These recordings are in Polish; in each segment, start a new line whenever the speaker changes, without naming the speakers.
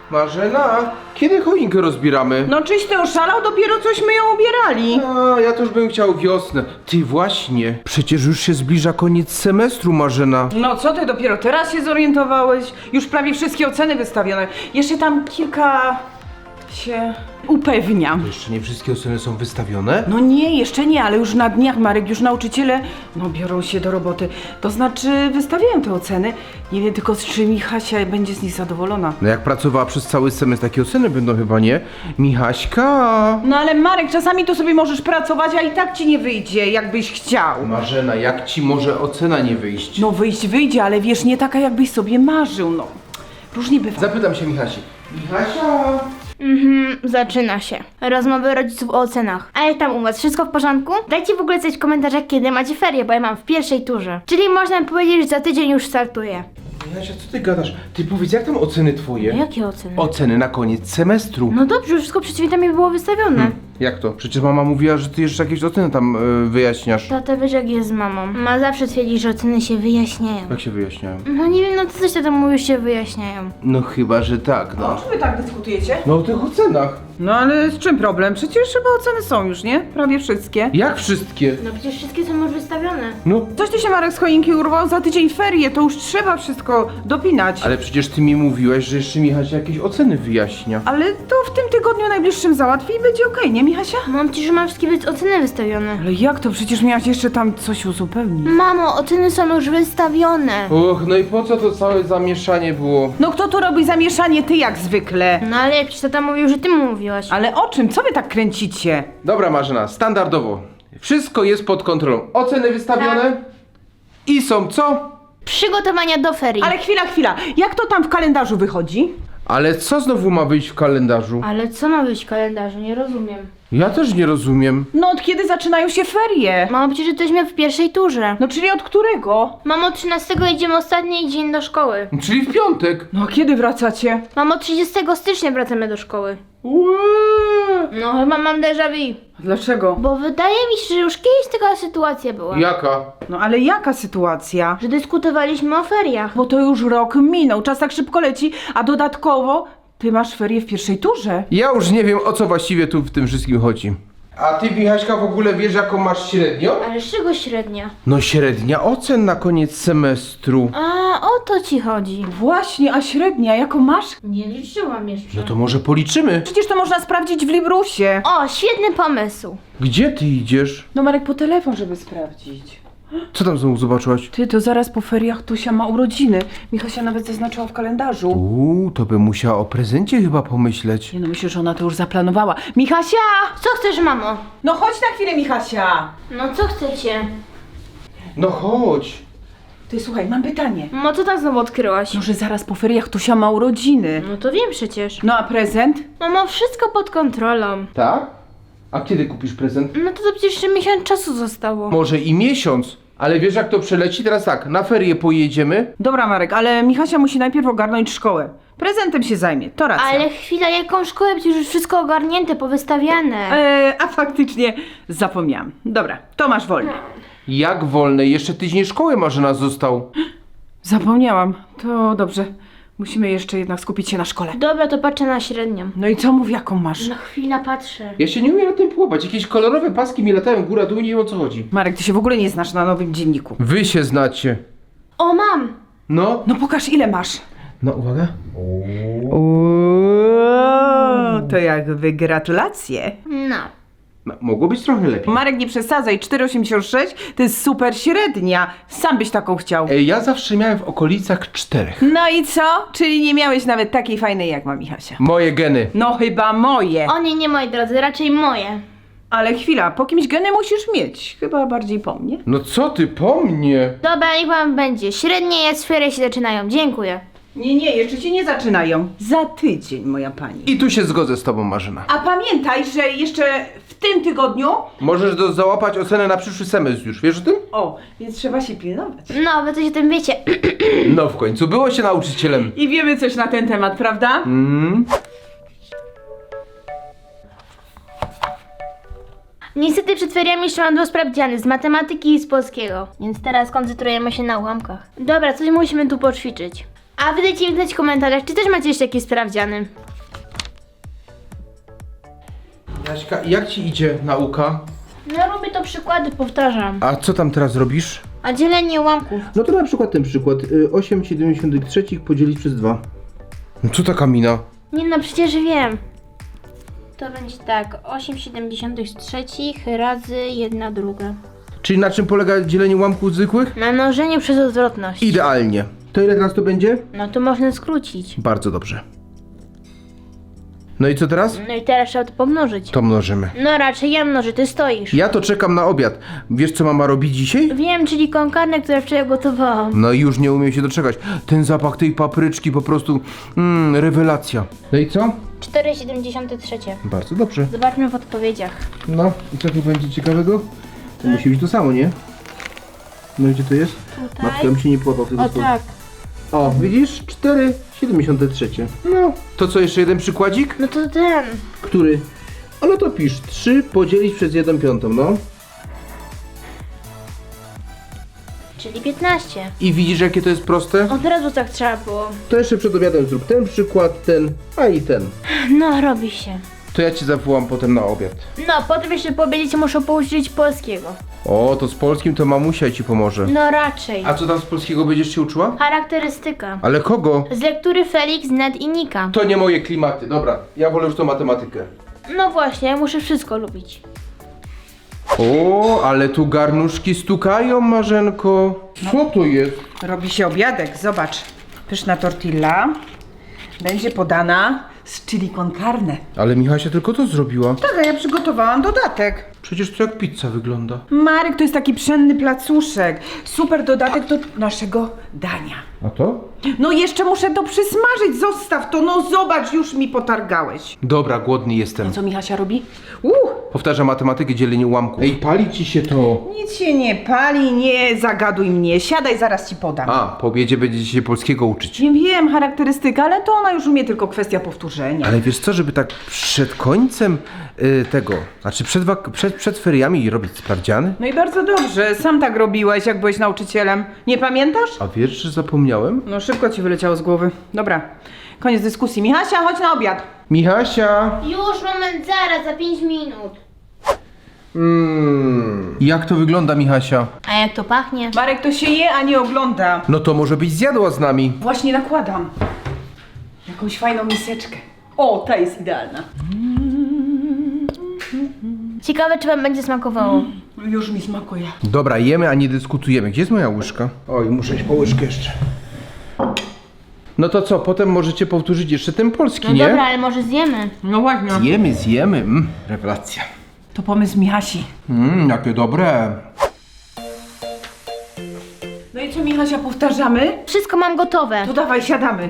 Marzena, kiedy choinkę rozbieramy?
No czyś ty oszalał? Dopiero cośmy ją ubierali.
A, ja też bym chciał wiosnę. Ty właśnie, przecież już się zbliża koniec semestru, Marzena.
No co ty, dopiero teraz się zorientowałeś? Już prawie wszystkie oceny wystawione. Jeszcze tam kilka się upewniam.
Jeszcze nie wszystkie oceny są wystawione?
No nie, jeszcze nie, ale już na dniach, Marek, już nauczyciele, biorą się do roboty. To znaczy wystawiają te oceny. Nie wiem tylko, czy Michasia będzie z nich zadowolona.
No jak pracowała przez cały semestr, takie oceny będą chyba, nie? Michaśka!
No ale Marek, czasami to sobie możesz pracować, a i tak ci nie wyjdzie, jakbyś chciał.
Marzena, jak ci może ocena nie wyjść?
No wyjdzie, ale wiesz, nie taka jakbyś sobie marzył, no. Różnie bywa.
Zapytam się Michasi. Michasia!
Zaczyna się. Rozmowy rodziców o ocenach. A jak tam u was? Wszystko w porządku? Dajcie w ogóle coś w komentarzach, kiedy macie ferie, bo ja mam w pierwszej turze. Czyli można powiedzieć, że za tydzień już startuję.
Michasia, co ty gadasz? Ty powiedz, jak tam oceny twoje?
Jakie oceny?
Oceny na koniec semestru.
No dobrze, wszystko przed świętami było wystawione.
Jak to? Przecież mama mówiła, że ty jeszcze jakieś oceny tam wyjaśniasz.
Tata, wiesz jak jest z mamą. Ma zawsze twierdzi, że oceny się wyjaśniają.
Jak się wyjaśniają?
No nie wiem, no to coś tam mówisz, się wyjaśniają.
No chyba, że tak,
O
no.
czym wy tak dyskutujecie?
No o tych ocenach.
No ale z czym problem? Przecież chyba oceny są już, nie? Prawie wszystkie.
Jak wszystkie?
No przecież wszystkie są już wystawione.
No.
Coś ty się, Marek, z choinki urwał, za tydzień ferie, to już trzeba wszystko dopinać.
Ale przecież ty mi mówiłaś, że jeszcze Michasia jakieś oceny wyjaśnia.
Ale to w tym tygodniu najbliższym załatwi i będzie okej, nie Michasia?
Mam ci, że mam wszystkie oceny wystawione.
Ale jak to? Przecież miałaś jeszcze tam coś uzupełnić.
Mamo, oceny są już wystawione.
Och, no i po co to całe zamieszanie było?
No kto tu robi zamieszanie? Ty jak zwykle.
No ale przecież tata mówił, że ty mu mówiłaś.
Ale o czym? Co wy tak kręcicie?
Dobra Marzena, standardowo. Wszystko jest pod kontrolą. Oceny wystawione i są co?
Przygotowania do ferii.
Ale chwila. Jak to tam w kalendarzu wychodzi?
Ale co znowu ma być w kalendarzu?
Ale co ma być w kalendarzu? Nie rozumiem.
Ja też nie rozumiem.
No od kiedy zaczynają się ferie?
Mamo, przecież jesteśmy w pierwszej turze.
No czyli od którego?
Mamo, 13 idziemy ostatni dzień do szkoły.
Czyli w piątek.
No a kiedy wracacie?
Mamo, 30 stycznia wracamy do szkoły. No chyba mam déjà vu.
Dlaczego?
Bo wydaje mi się, że już kiedyś taka sytuacja była.
Jaka?
No ale jaka sytuacja?
Że dyskutowaliśmy o feriach.
Bo to już rok minął, czas tak szybko leci, a dodatkowo ty masz ferie w pierwszej turze.
Ja już nie wiem, o co właściwie tu w tym wszystkim chodzi. A ty, Michaśka, w ogóle wiesz, jaką masz średnią?
Ale z czego średnia?
No średnia ocen na koniec semestru.
A, o to ci chodzi.
Właśnie, a średnia jaką masz?
Nie liczyłam jeszcze.
No to może policzymy.
Przecież to można sprawdzić w Librusie.
O, świetny pomysł.
Gdzie ty idziesz?
No Marek, po telefon, żeby sprawdzić.
Co tam znowu zobaczyłaś?
Ty, to zaraz po feriach Tusia ma urodziny. Michasia nawet zaznaczyła w kalendarzu.
To by musiała o prezencie chyba pomyśleć.
Nie no, myślę, że ona to już zaplanowała. Michasia!
Co chcesz, mamo?
No chodź na chwilę, Michasia!
No co chcecie?
No chodź.
Ty, słuchaj, mam pytanie.
Mamo, co tam znowu odkryłaś?
No, że zaraz po feriach Tusia ma urodziny.
No to wiem przecież.
No a prezent?
Mamo, wszystko pod kontrolą.
Tak? A kiedy kupisz prezent?
No to przecież jeszcze miesiąc czasu zostało.
Może i miesiąc. Ale wiesz, jak to przeleci? Teraz tak, na ferie pojedziemy.
Dobra, Marek, ale Michasia musi najpierw ogarnąć szkołę. Prezentem się zajmie, to racja.
Ale chwila, jaką szkołę? Przecież już wszystko ogarnięte, powystawiane.
A faktycznie zapomniałam. Dobra, to masz wolne.
Jak wolne? Jeszcze tydzień szkoły Marzena został.
Zapomniałam. To dobrze. Musimy jeszcze jednak skupić się na szkole.
Dobra, to patrzę na średnią.
No i co mów, jaką masz?
No chwila, patrzę.
Ja się nie umiem na tym połapać. Jakieś kolorowe paski mi latają góra dół, nie wiem o co chodzi.
Marek, ty się w ogóle nie znasz na nowym dzienniku.
Wy się znacie.
O, mam!
No.
No pokaż, ile masz.
No uwaga.
To jakby gratulacje.
No.
No, mogło być trochę lepiej.
Marek, nie przesadzaj, 4,86 to jest super średnia. Sam byś taką chciał.
Ja zawsze miałem w okolicach 4.
No i co? Czyli nie miałeś nawet takiej fajnej jak ma Michasia.
Moje geny.
No chyba moje.
O nie, moi drodzy, raczej moje.
Ale chwila, po kimś geny musisz mieć. Chyba bardziej po mnie.
No co ty po mnie?
Dobra, niech wam będzie. Średnie jak ferie się zaczynają. Dziękuję.
Nie, jeszcze się nie zaczynają. Za tydzień, moja pani.
I tu się zgodzę z tobą, Marzena.
A pamiętaj, że jeszcze w tym tygodniu...
Możesz załapać ocenę na przyszły semestr już, wiesz o tym?
O, więc trzeba się pilnować.
No, wy coś o tym wiecie.
No w końcu, było się nauczycielem.
I wiemy coś na ten temat, prawda?
Niestety przed feriami jeszcze mam 2 sprawdziany z matematyki i z polskiego. Więc teraz koncentrujemy się na ułamkach. Dobra, coś musimy tu poćwiczyć. A wy dajcie mi znać w komentarzach, czy też macie jeszcze jakieś sprawdziany.
Jaśka, jak ci idzie nauka?
No robię to przykłady, powtarzam.
A co tam teraz robisz?
A dzielenie ułamków.
No to na przykład ten przykład. 8,73 podzielić przez 2. No co taka mina?
Nie no, przecież wiem. To będzie tak, 8,73 razy 1/2.
Czyli na czym polega dzielenie ułamków zwykłych?
Na mnożeniu przez odwrotność.
Idealnie. To ile teraz to będzie?
No to można skrócić.
Bardzo dobrze. No i co teraz?
No i teraz trzeba to pomnożyć.
To mnożymy.
No raczej ja mnożę, ty stoisz.
Ja to czekam na obiad. Wiesz co mama robi dzisiaj?
Wiem, czyli konkarne, które wczoraj gotowałam.
No i już nie umiem się doczekać. Ten zapach tej papryczki po prostu... rewelacja. No i co?
4,73.
Bardzo dobrze.
Zobaczmy w odpowiedziach.
No i co tu będzie ciekawego? To musi być to samo, nie? No gdzie to jest?
Tutaj.
Matka mi się nie podobał tego
O
słowa.
tak.
O, widzisz? 4,73. No. To co, jeszcze jeden przykładzik?
No to ten.
Który? A no to pisz 3 podzielić przez 1/5, no.
Czyli 15.
I widzisz jakie to jest proste?
Od razu tak trzeba było.
To jeszcze przed obiadem zrób ten przykład, ten, a i ten.
No, robi się.
To ja ci zawołam potem na obiad.
No, potem jeszcze powiedzieć, muszę pouczyć polskiego.
O, to z polskim to mamusia ci pomoże.
No raczej.
A co tam z polskiego będziesz się uczyła?
Charakterystyka.
Ale kogo?
Z lektury Felix, Ned i Nika.
To nie moje klimaty, dobra. Ja wolę już tą matematykę.
No właśnie, ja muszę wszystko lubić.
O, ale tu garnuszki stukają, Marzenko. Co to jest?
Robi się obiadek, zobacz. Pyszna tortilla. Będzie podana z chili con carne.
Ale Michasia tylko to zrobiła.
Tak, a ja przygotowałam dodatek.
Przecież to jak pizza wygląda.
Marek, to jest taki pszenny placuszek. Super dodatek do naszego dania.
A to?
No jeszcze muszę to przysmażyć, zostaw to, no zobacz, już mi potargałeś.
Dobra, głodny jestem.
Co Michasia robi?
Powtarzam matematykę, dzielenie ułamków. Ej, pali ci się to.
Nic się nie pali, nie zagaduj mnie, siadaj, zaraz ci podam.
A, po obiedzie będziecie się polskiego uczyć.
Nie wiem, charakterystyka, ale to ona już umie, tylko kwestia powtórzenia.
Ale wiesz co, żeby tak przed końcem tego, znaczy przed feriami robić sprawdziany?
No i bardzo dobrze, sam tak robiłeś, jak byłeś nauczycielem. Nie pamiętasz?
A wiesz, że zapomniałem?
No szybko ci wyleciało z głowy. Dobra, koniec dyskusji. Michasia, chodź na obiad.
Michasia!
Już, moment, zaraz, za 5 minut.
Jak to wygląda, Michasia?
A jak to pachnie?
Marek, to się je, a nie ogląda.
No to może byś zjadła z nami.
Właśnie nakładam. Jakąś fajną miseczkę. O, ta jest idealna.
Ciekawe, czy wam będzie smakowało.
Już mi smakuje.
Dobra, jemy, a nie dyskutujemy. Gdzie jest moja łyżka? Oj, muszę iść po łyżkę jeszcze. No to co, potem możecie powtórzyć jeszcze ten polski,
No
nie?
dobra, ale może zjemy.
No właśnie.
Zjemy. Rewelacja.
To pomysł Michasi.
Jakie dobre.
No i co, Michasia, powtarzamy?
Wszystko mam gotowe.
To dawaj, siadamy.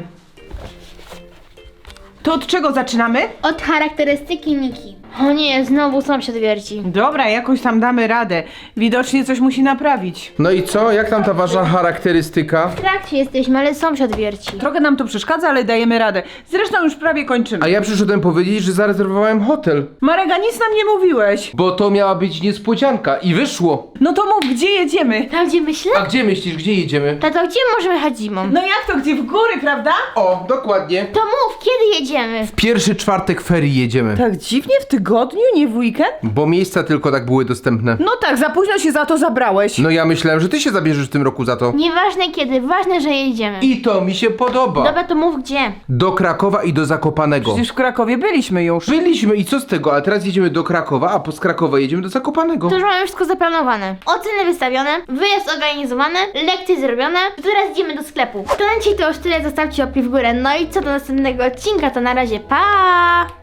To od czego zaczynamy?
Od charakterystyki Niki. O nie, znowu sąsiad wierci.
Dobra, jakoś tam damy radę. Widocznie coś musi naprawić.
No i co? Jak tam ta wasza charakterystyka?
W trakcie jesteśmy, ale sąsiad wierci.
Trochę nam to przeszkadza, ale dajemy radę. Zresztą już prawie kończymy.
A ja przyszedłem powiedzieć, że zarezerwowałem hotel.
Marek, a nic nam nie mówiłeś.
Bo to miała być niespodzianka i wyszło.
No to mów, gdzie jedziemy?
Tam gdzie myślę?
A gdzie myślisz, gdzie jedziemy?
Tato, gdzie możemy jechać zimą?
No jak to, gdzie w góry, prawda?
O, dokładnie.
To mów, kiedy jedziemy?
Pierwszy czwartek ferii jedziemy.
Tak dziwnie w tygodniu, nie w weekend?
Bo miejsca tylko tak były dostępne.
No tak, za późno się za to zabrałeś.
No ja myślałem, że ty się zabierzesz w tym roku za to.
Nieważne kiedy, ważne, że jedziemy.
I to mi się podoba.
Dobra, to mów gdzie.
Do Krakowa i do Zakopanego.
Przecież w Krakowie byliśmy już.
Byliśmy i co z tego, ale teraz jedziemy do Krakowa, a z Krakowa jedziemy do Zakopanego.
To już mamy wszystko zaplanowane. Oceny wystawione, wyjazd zorganizowany, lekcje zrobione. Teraz idziemy do sklepu. To na dzisiaj to już tyle, zostawcie łapki w górę. No i co do następnego odcinka, to na razie pa!